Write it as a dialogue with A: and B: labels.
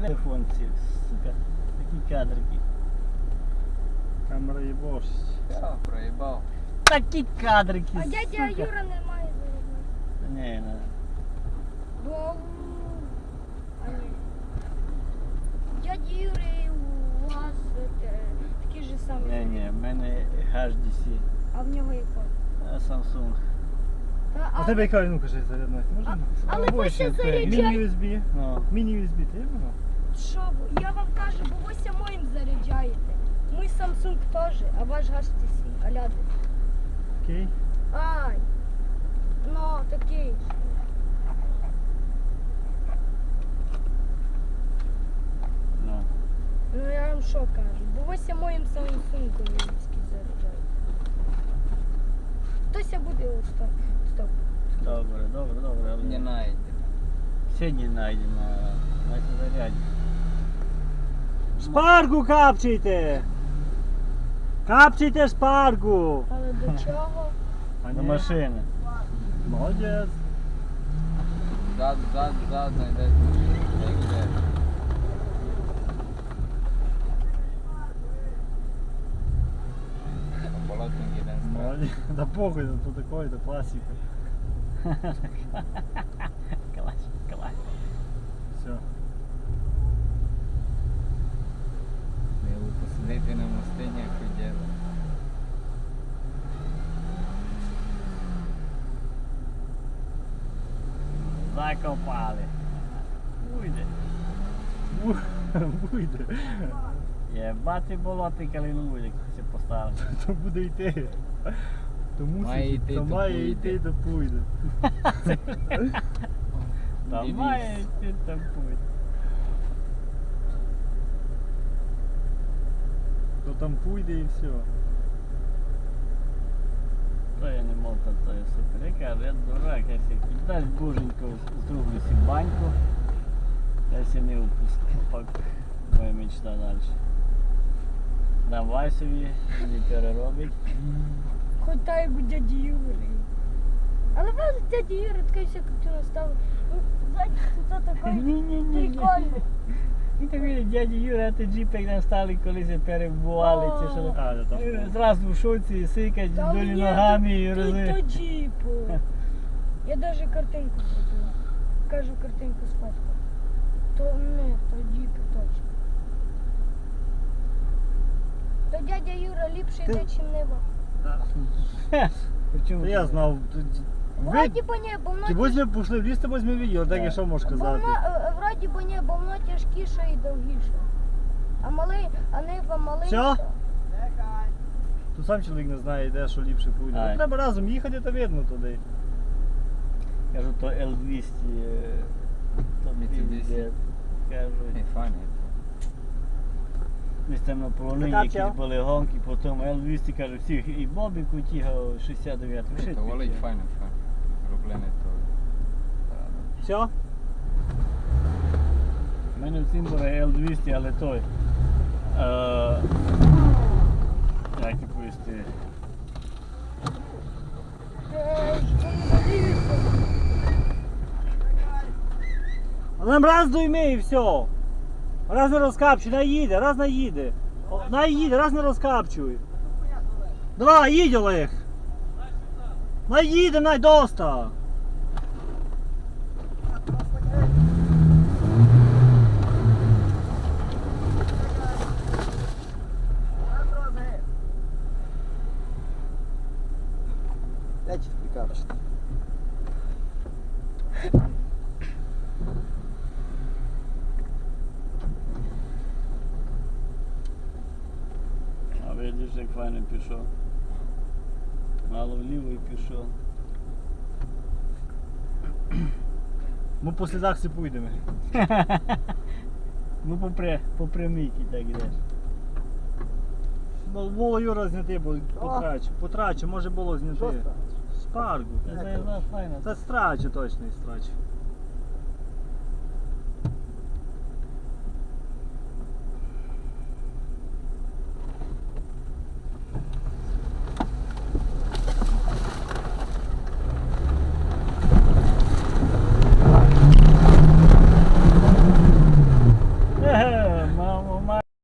A: телефонці, сука, такі кадрики.
B: Камера їбошить.
C: Я проїбав.
A: Такі кадрики,
D: А
A: сука.
D: дядя Юра не має зарядної.
A: Ні, не.
D: Бо... А ні. Дядя Юри у вас такі ж самі.
A: Ні, в мене HDC,
D: А в нього який?
A: Samsung.
D: Та,
B: А тебе яка, ну кажи, зарядна? Можна?
D: але ви ще заряджаєте.
B: Міні-USB.
A: Ну,
B: Міні-USB, ти є воно?
D: Що ви? Я вам кажу, бо ви ся моїм заряджаєте. Мій Samsung теж, а ваш HTC. Аляди.
B: Окей.
D: Ай. Ну, такий.
A: ну.
D: Ну я вам що кажу? Бо ви ся моїм Samsung заряджаєте. Хтось буде от стоп. Стоп.
A: Добре, але
C: Не найдемо.
A: сьогодні знайдемо, на заряді.
B: Шпаргу капчайте! Капчайте шпаргу!
D: Але до чого?
A: До машини.
B: Молодець.
C: Зад, знайдеш. Як йде. Болотник один страх.
B: Молодець. Да похуй, то такое, то классика.
A: Клас.
B: Все.
C: Його посадити на мостині, як хотіли.
A: Закопали. Уйде.
B: Буде.
A: Єбати болоти калину, як це поставили.
B: То буде йти. То
C: Має
B: мусить,
C: йти,
B: то
C: то
B: має
C: пойде.
B: йти, то пуйде.
A: Там
C: Дивись.
A: має йти, там путь.
B: То там пуйде і все.
A: То я не мог, то є супер. Я кажу, я дурак, я себе дасть боженько, зроблю си баньку. Я себе не упустив, пак моя мечта далі. Давай собі, не переробить.
D: Хоч та як у дяді Юри. Але вас дяді Юри така вся картина ставить. Ну, знаєте, це такий
A: Ні-ні-ні.
D: прикольний.
A: І так видить, дядя Юра, а ти джіп, як нам стали колись перебували, чи що.
B: А, да, там.
A: Зразу в шоці, сикать
D: Та
A: долі
D: ні,
A: ногами і
D: то
A: рози.
D: джіпу. Я навіть картинку зробила. Кажу, картинку сфоткав. То не, то джіпу точно. То дядя Юра ліпший
B: Ти-
D: йде, чим небо.
A: Причому
B: Та я знав.
D: Вроді бо ні, бо воно
B: Ті возьми, пішли в ліс, ти возьми відео, так я що можу сказати.
D: вроді бо ні, бо воно тяжкіше і довгіше. А малий, а нива малий.
B: Що? Тут сам чоловік не знає, де що ліпше пуйде.
A: Ай.
B: Ну, треба разом їхати, то видно туди.
A: Кажу, то L200, то
C: Mitsubishi.
A: піздець. Кажу,
C: Не фані.
A: ми там на полонині
B: Така
A: якісь
B: чо?
A: були гонки, потім L200, кажу, всіх, і Бобіку тігав 69,
C: То волить файно. Зроблене то.
B: Все?
A: У мене в цим була L200, але той. Як і повісти.
B: А нам раз дуйми і все. Раз не розкапчуй, наїде, раз наїде. Наїде, раз не розкапчуй. Давай, їдь, Олег. Наїде, найдоста.
E: Дайте прикапчити.
A: А видиш, як файно пішов. Мало вліво і пішов.
B: Ми по слідах всі пойдемо.
A: Ну по прямійки так ідеш.
B: Було Юра зняти, бо потрачу, може було
E: Що
B: зняти.
E: страшно?
B: Шпаргу.
A: Я знаю, файно.
B: Це страчу точно і страчу.